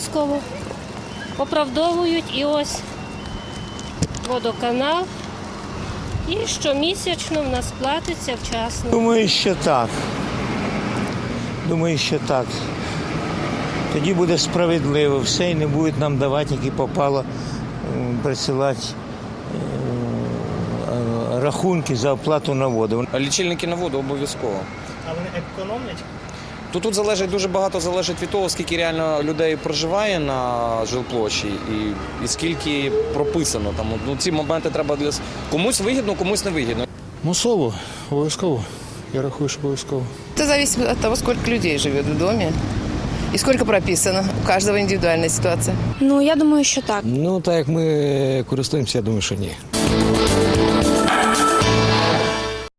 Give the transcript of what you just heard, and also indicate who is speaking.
Speaker 1: обов'язково оправдовують і ось водоканал. І щомісячно в нас платиться вчасно.
Speaker 2: Думаю, що так. Думаю, що так. Тоді буде справедливо все і не будуть нам давати, які попало, присилати рахунки за оплату на воду.
Speaker 3: Лічильники на воду обов'язково.
Speaker 4: А вони економлять?
Speaker 3: Тут дуже багато залежить від того, скільки реально людей проживає на жилплощі і скільки прописано. Там, ці моменти треба для комусь вигідно, комусь не вигідно.
Speaker 5: Мусово, обов'язково. Я рахую, що обов'язково.
Speaker 6: Это зависит от того, сколько людей живет в доме и сколько прописано. У каждого индивидуальная ситуация.
Speaker 7: Ну, я думаю, що так.
Speaker 8: Ну, так як ми користуємося, я думаю, що ні.